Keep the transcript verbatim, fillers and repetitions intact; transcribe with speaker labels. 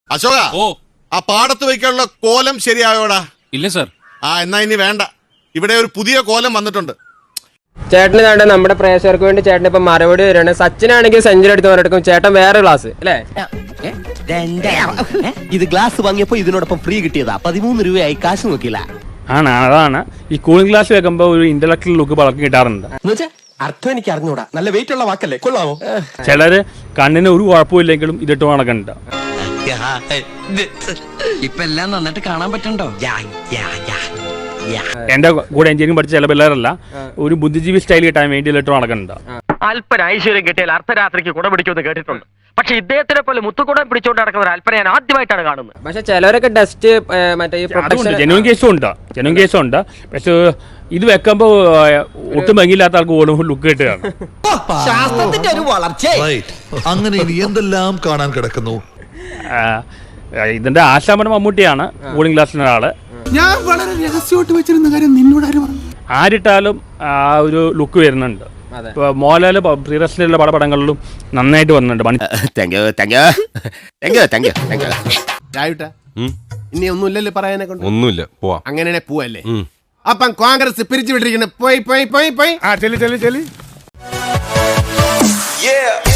Speaker 1: അശോക,
Speaker 2: ഓ
Speaker 1: ആ പാടത്ത് വയ്ക്കാനുള്ള കോലം ശരിയായോടാ?
Speaker 2: ഇല്ല സർ.
Speaker 1: ആ എന്നാ ഇനി വേണ്ട, ഇവിടെ ഒരു പുതിയ കോലം വന്നിട്ടുണ്ട്.
Speaker 3: ചേട്ടന് വേണ്ട നമ്മുടെ പ്രേക്ഷകർക്ക് വേണ്ടി ചേട്ടൻ ഇപ്പൊ മറുപടി വരികയാണ്. സച്ചിനാണെങ്കിൽ സെഞ്ചുറി എടുത്ത് പറഞ്ഞെടുക്കും, ചേട്ടൻ വേറെ ക്ലാസ് അല്ലേ?
Speaker 4: ഇത് ഗ്ലാസ് വാങ്ങിയപ്പോ ഇതിനോടൊപ്പം ഫ്രീ കിട്ടിയതാ. പതിമൂന്ന് രൂപയായി, കാശ് നോക്കില്ല.
Speaker 5: ആണ്, അതാണ് ഈ കൂളിംഗ് ഗ്ലാസ് വെക്കുമ്പോ ഒരു ഇന്റലക്ച്വൽ ലുക്ക് പലർക്കും കിട്ടാറുണ്ട്.
Speaker 4: അർത്ഥം എനിക്ക് അറിഞ്ഞൂടാ. നല്ല വെയിറ്റ് ഉള്ള വാക്കല്ലേ, കൊള്ളാമോ?
Speaker 5: ചിലര് കണ്ണിന് ഒരു കുഴപ്പമില്ലെങ്കിലും ഇതിട്ട് നടക്കണ്ട.
Speaker 6: ഇപ്പൊ എല്ലാം നന്നായിട്ട് കാണാൻ പറ്റണ്ടോ?
Speaker 5: എന്റെ കൂടെ എഞ്ചിനീയറിംഗ് പഠിച്ച ചില പിള്ളേരല്ല ഒരു ബുദ്ധിജീവി സ്റ്റൈൽ കിട്ടാൻ വേണ്ടി ഇട്ട് നടക്കണ്ട.
Speaker 7: അല്പന ഐശ്വര്യം കിട്ടിയാൽ അർദ്ധരാത്രിക്ക് കുട പിടിക്കുമെന്ന് കേട്ടിട്ടുണ്ട്. പക്ഷെ ഇദ്ദേഹത്തിനെ പോലെ മുത്തുകുടം പിടിച്ചോണ്ട് നടക്കുന്ന ഒരു അല്പന ഞാൻ ആദ്യമായിട്ടാണ് കാണുന്നത്.
Speaker 3: പക്ഷെ ചിലവരൊക്കെ ഡസ്റ്റ് മറ്റേ
Speaker 5: ജെനുവിൻ കേസും ഉണ്ട്, ജെനുവിൻ കേസും ഉണ്ട്. പക്ഷെ ഇത് വെക്കുമ്പോ ഒട്ടും ഭംഗിയില്ലാത്ത ആൾക്ക് ഓടുമ്പോൾ ലുക്ക് കിട്ടുകയാണ്.
Speaker 4: ശാസ്ത്രത്തിന്റെ ഒരു വളർച്ച.
Speaker 8: അങ്ങനെ ഇനി എന്തെല്ലാം കാണാൻ കിടക്കുന്നു.
Speaker 5: ഇതിന്റെ ആശാമനം മമ്മൂട്ടിയാണ് കൂളിംഗ് ഗ്ലാസിന്റെ ആള്.
Speaker 8: ഞാൻ വളരെ രഹസ്യമായിട്ട് വെച്ചിരുന്ന കാര്യം നിന്നോട് ആരും പറഞ്ഞു?
Speaker 5: ആരിട്ടാലും ആ ഒരു ലുക്ക് വരുന്നുണ്ട്. ഇപ്പൊ മോഹൻലാല് പ്രിയദർശനിലുള്ള പല പടങ്ങളിലും നന്നായിട്ട് വന്നിട്ടുണ്ട്.
Speaker 9: ഇനി ഒന്നുമില്ലല്ലോ പറയാനെ കൊണ്ട്.
Speaker 2: ഒന്നുമില്ല, പോവാ.
Speaker 9: അങ്ങനെയാണെ പോവല്ലേ? അപ്പം കോൺഗ്രസ് പിരിച്ചു വിട്ടിരിക്കുന്നത് പോയി പോയി പോയി പോയി.
Speaker 8: ആ ചെല്ലി ചെല്ലി ചെല്ലി.